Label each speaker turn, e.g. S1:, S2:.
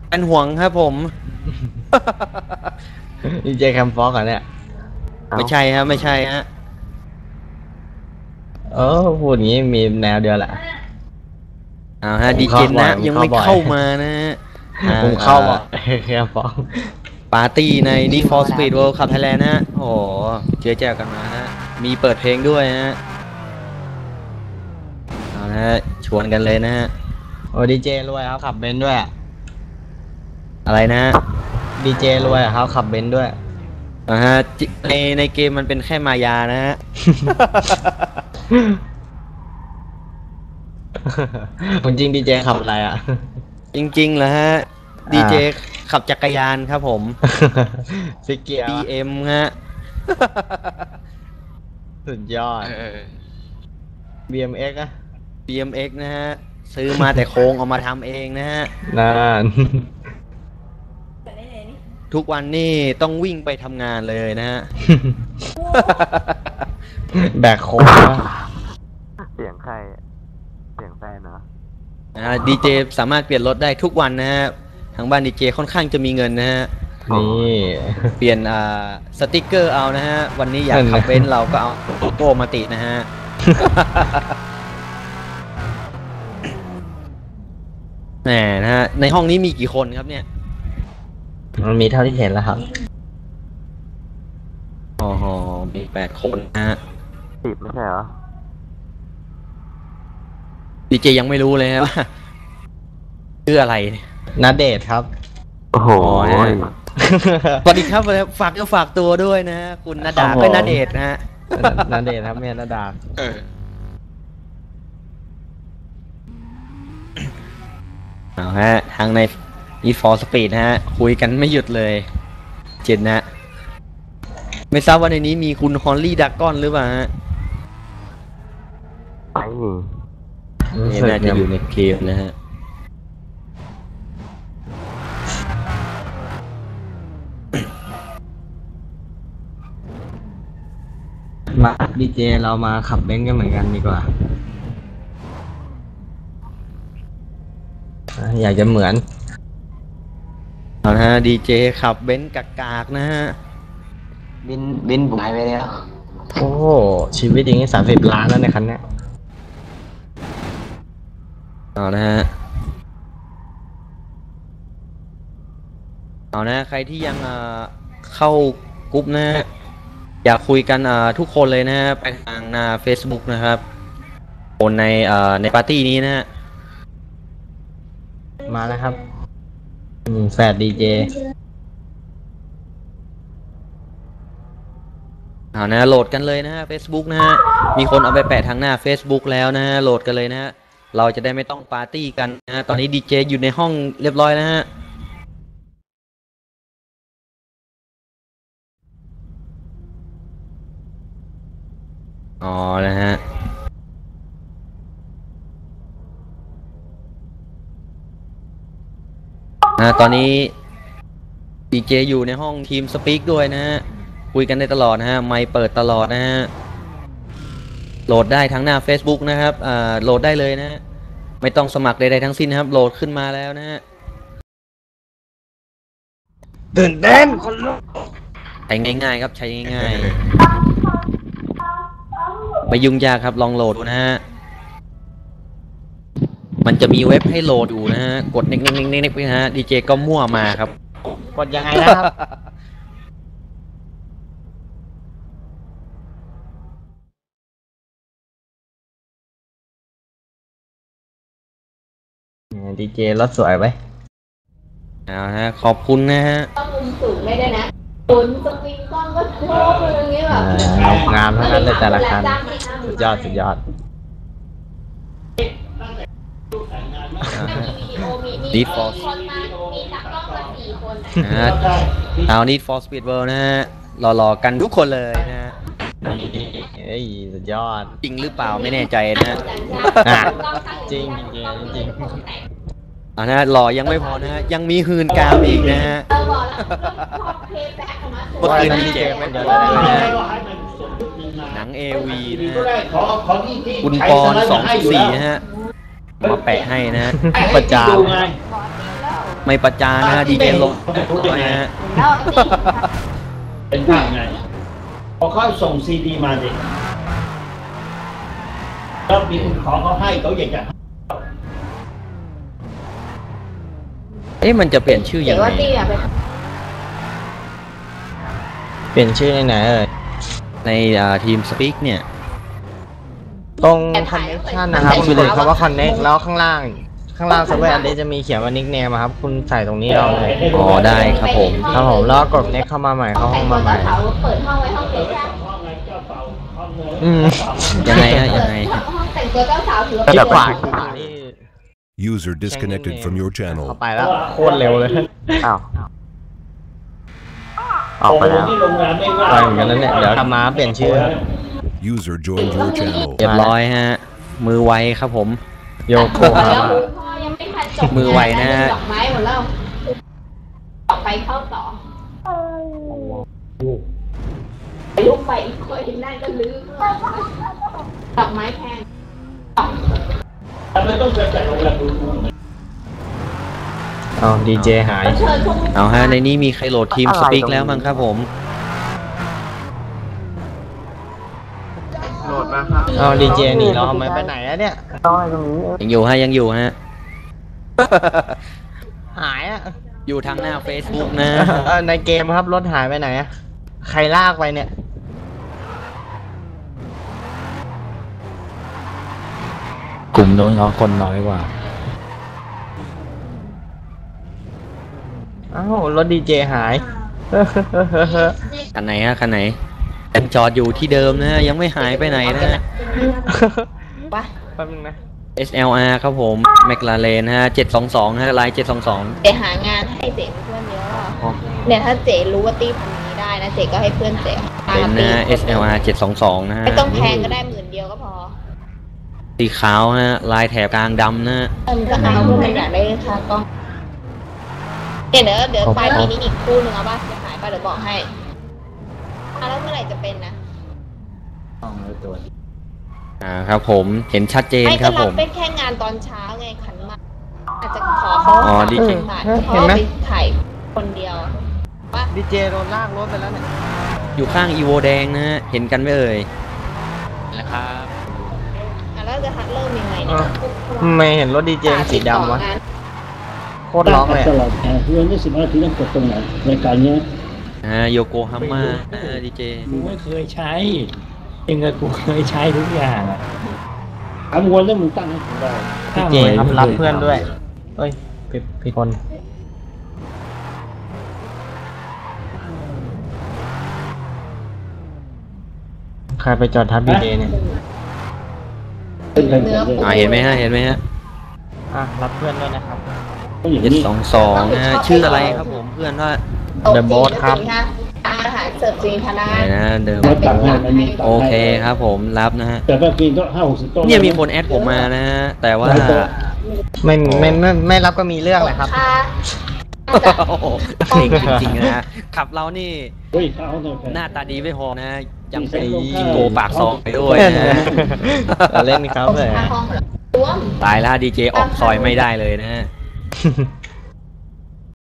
S1: เป็นห่วงครับผม
S2: ดีเจแคมฟอกอ่ะเนี่ย
S1: ไม่ใช่ฮะไม่ใช่ฮะ
S2: เออพูดอย่างนี้มีแนวเดียวแหละ
S1: เอาฮะ
S2: ผม
S1: ดีเจนะ
S2: เข้าบ่อยผม
S1: ยังไม่
S2: เข้าบ่อย
S1: เข้ามานะฮะทา
S2: ผ
S1: ง
S2: มเข้าบ่อยแคมฟอก
S1: ปาร์ตี้ใน Need for Speed World Cup Thailand นะฮะโอ้โหเจอแจวกันมาฮะมีเปิดเพลงด้วยฮะเอาละฮะชวนกันเลยนะฮะ
S2: โอ้ดีเจรวยครับขับเบนซ์ด้วย
S1: อะไรนะฮะ
S2: ดีเจรวยครับขับเบนซ์ด้วย
S1: นะฮะในเกมมันเป็นแค่มายานะฮะ
S2: ผมจริงดีเจขับอะไรอ่ะ
S1: จริงๆเหรอฮะดีเจขับจักรยานครับผม
S2: ฟิกเกียร์
S1: BM ฮะ
S2: สุดยอด BMX อะ
S1: BMX นะฮะซื้อมาแต่โครงเอามาทำเองนะฮะ
S2: นั่น
S1: ทุกวันนี่ต้องวิ่งไปทำงานเลยนะฮะ
S2: แบกโค้งวะ
S3: เสียงใครเสียงแฟนเนาะ
S1: ดีเจสามารถเปลี่ยนรถได้ทุกวันนะฮะทางบ้านดีเจค่อนข้างจะมีเงินนะฮะ
S2: นี่
S1: เปลี่ยนสติกเกอร์เอานะฮะวันนี้อยากขับเบนซ์เราก็เอาโลโก้มาติดนะฮะ แหมนะฮะในห้องนี้มีกี่คนครับเนี่ย
S2: มันมีเท่าที่เห็นแล้วครับ
S1: อ๋อมี8 คนนะฮะ
S3: 10ไม่ใช่เหรอ
S1: ดีเจยังไม่รู้เลยฮะว่าชื่ออะไรเนี่ย
S2: นาเดชน์ครับ
S3: โอ้โห
S1: สวัสดีครับฝากก็ฝากตัวด้วยนะฮะคุณณดา
S2: ครับผม
S1: ก็ณเดชน์นะฮะ
S2: นาเดชน์ครับแม่นาดา
S1: เอาฮะทางใน Need for Speed นะฮะคุยกันไม่หยุดเลยเจนนะ ไม่ทราบว่าในนี้มีคุณฮอลลี่ดักกอนหรือเปล่าฮะ
S3: ไม่มี
S1: นี่น่าจะอยู่ในเกมนะฮะ
S2: มาดีเจเรามาขับเบนซ์กันเหมือนกันดีกว่า อยากจะเหมือน
S1: เอานะฮะดีเจขับเบนซ์กากๆนะฮะ
S2: บินบุ๋ยไปแล้ว โอ้ชีวิตอย่างนี้30 ล้านแล้วในคันเนี้ย
S1: เอานะฮะเอานะใครที่ยังเข้ากรุ๊ปนะฮะอยากคุยกันทุกคนเลยนะฮะไปทางหน้า Facebook นะครับคนในปาร์ตี้นี้นะฮะ
S2: มาแล้วครับแฟดดีเจ
S1: เอานะโหลดกันเลยนะฮะ Facebook นะฮะมีคนเอาไปแปะทางหน้า Facebook แล้วนะฮะโหลดกันเลยนะฮะเราจะได้ไม่ต้องปาร์ตี้กันนะฮะตอนนี้ดีเจอยู่ในห้องเรียบร้อยนะฮะอ๋อนะฮะตอนนี้ดีเจอยู่ในห้องทีมสปีกด้วยนะฮะคุยกันได้ตลอดนะฮะไมค์เปิดตลอดนะฮะโหลดได้ทั้งหน้า Facebook นะครับโหลดได้เลยนะฮะไม่ต้องสมัครใดๆทั้งสิ้นนะครับโหลดขึ้นมาแล้วนะฮะ
S2: ตื่นเต้นคนลุก
S1: ใช้ง่ายๆครับใช้ง่ายๆไม่ยุ่งยากครับลองโหลดดูนะฮะมันจะมีเว็บให้โหลดอยู่นะฮะกดเน็กๆๆๆไปนะฮะดีเจก็มั่วมาครับ
S2: กดยังไงนะครับดีเจรถสวยไหม
S1: เอาฮะขอบคุณนะฮะ
S4: ต้องมุมสูงได้ด้วยนะตุนสปริงก้อนก็โค้งอย่างเงี้ยแบบ
S2: งามทั้งนั้นเลยแต่ละคันสุดยอดสุดยอด
S1: ดีฟอร์
S4: คนมามีตากล้องมา4 คน
S1: นะฮะเอา Need for Speed World นะฮะหล่อๆกันทุกคนเลยนะฮะ
S2: เฮ้ยสุดยอด
S1: จริงหรือเปล่าไม่แน่ใจนะฮะ
S2: อ่ะจริงจริง
S1: เอานะฮะหล่อยังไม่พอนะฮะยังมีหืนกามอีกนะฮะ
S4: บอกแล้วพอเพย์แบ็กออกมา
S1: เมื่อคืนดีเจ
S2: ไม่เดี๋ยว
S1: หนัง AV นะฮะคุณปอน214นะฮะมาแปะให้นะฮะ
S2: ประจาน
S1: ไม่ประจานนะฮะดีเจลงนะฮะ
S4: แล้วจริง
S5: เป็นได้ไงพอเขาส่งซีดีมาดิแล้วมีคนขอเขาให้เขาอยากจะ
S1: มันจะเปลี่ยนชื่อ
S4: เดี๋
S1: ยั
S4: ยว
S1: งไง
S4: ว่าตี้อะไป
S2: เปลี่ยนชื่อในไหนเอ่ย
S1: ในทีมสปีกเนี่ย
S2: ตรง connection นะครับคุณกดคำว่า connect แล้วข้างล่างเซิร์ฟเวอร์อันนี้จะมีเขียนว่า nickname ครับคุณใส่ตรงนี้เอาเลย
S1: อ๋อได้ครับผม
S2: ครับผมแล้วกด next เข้ามาใหม่เข้าห้องมาใหม่
S4: เขาเปิดห้องไว้ห้องเด็กใช่
S2: อืม
S1: ยังไงฮะยังไง
S4: ห้องแต่งตัวเจ้าสาวถือ
S2: คลิกขวา
S4: ว่า
S2: นี่
S6: User disconnected from your
S2: เข้า
S6: channel.
S2: ไปแล้วโคตรเร็วเลย
S3: อ้าวออกไปแล้ว
S5: ที่โรงแรมไม่ว่า
S2: ไปเหมือนกันแล้วเนี่ยเดี๋ยวกลับมาเปลี่ยนชื่อ
S6: User joined your channel.
S1: เรียบร้อยฮะ มือไวครับผม
S2: โยโก
S4: แล้ว
S2: ฮา
S4: พ่อยังไม่ทันจบ
S1: มือไวนะฮะ
S4: ดอกไม้หมดแล้วออกไปเข้าต่อลูกไปอีกคนนั่นก็ลืมดอกไม้แพง
S5: ทำไมต้องจัดโรงแรมดู
S2: เอาดีเจหาย
S4: เชิญพวก
S1: เอาฮะในนี้มีใครโหลดทีมสปีกแล้วมั้งครับผม
S3: โหลดมาครับ
S2: เอาดีเจหนีเราทำไมไปไหนอะเนี่ย
S3: ต้องให้ตรงนี้
S1: ยังอยู่ฮะยังอยู่ฮะ
S2: หายอะ
S1: อยู่ทางหน้า Facebook นะ
S2: ในเกมครับรถหายไปไหนอะใครลากไปเนี่ย
S7: กลุ่มโน้นเขาคนน้อยกว่า
S2: อ้าวรถดีเจหาย
S1: คันไหนฮะคันไหนยังจอดอยู่ที่เดิมนะฮะยังไม่หายไปไหนนะฮะ
S4: วะ
S2: แป๊บนึงนะ
S1: SLR ครับผม McLaren ฮะ722ฮะลาย722
S4: เจหางานให้เจเพื่อนเยอะอ่ะเนี่ยถ้าเจรู้ว่าตีคนนี้ได้นะเจก็ให้เพื่อนเจ
S1: เป็นนะ SLR 722นะฮะ
S4: ไม่ต้องแพงก็ได้10,000ก็พอ
S1: สีขาวฮะลายแถบกลางดำนะฮะ
S4: มันก็หาเพื่อนอยากได้ค่ากล้องเดี๋ยวปลายปีนี้อีกคู่หนึ่งเอาป่ะจะหายป่ะเดี๋ยวบอกให้แล้วเมื่อไหร่จะเป็นนะ
S1: ครับผมเห็นชัดเจน
S4: ไม่
S1: ค
S4: ก็
S1: รับผ
S4: รับ
S1: ม
S4: เป็นแค่งานตอนเช้าไงขันหมากอาจจะขอเขา
S1: อ๋อดีจริง
S4: เพราะว่าไปถ่ายคนเดียว
S2: ดีเจโดนลากรถไปแล้วเนี่ย
S1: อยู่ข้างอีโวแดงนะฮะเห็นกันไหมเอ่ย
S7: นะครับ
S4: แล้วจะเริ่มยังไงเนี่ย
S2: ไม่เห็นรถดีเจสีดำวะโคตรล็อกเลย
S5: ตลอดแเพื่อน20 นาทีต้องกดตรงไหนรายการเนี้ย
S1: โยโกฮาม่าดีเจ
S5: กูไม่เคยใช้เองกับกูเคยใช้ทุกอย่างอะถามวนแล้วมึงตั้งให้ผมได้
S2: ดีเจครับรับเพื่อนด้วยเอ้ยผิดคนใครไปจอดทับดีเจเนี่ย
S5: เป็นแผ่นๆเลย
S1: เห็นไหมฮะเห็นไหมฮะ
S2: รับเพื่อนด้วยนะครับ
S5: ต้องอย่างนี้
S1: 722นะฮะชื่ออะไรครับผมเพื่อนว่า
S2: The Boss ครับ
S4: อาหารเสิร์ฟจริงพนัก
S1: ไหนนะเดิม
S5: แล้วตักให้มันมีตัก
S1: โอ
S5: ให้
S1: เคครับผมรับนะฮะ
S5: แต่ก็กินก็50 โต๊ะ
S1: เนี่ยมีคนแอดผมมานะฮะแต่ว่า
S2: ไม่รับก็มีเรื่องแหละครับ
S4: ค่ะ
S1: โอ้โหเก่งจริงๆนะฮะขับเรานี่
S5: เฮ้ยเอาหน่อย
S1: หน้าตาดีไม่พอนะยัง
S5: มี
S1: เป็น
S5: เส้นลงข้าง
S1: จิงโกปากซองไปด้วยนะฮะ
S2: เราเล่นเขาเลย
S4: ค่าห้องเหรอรวม
S1: ตายแล้วดีเจออกซอยไม่ได้เลยนะฮะ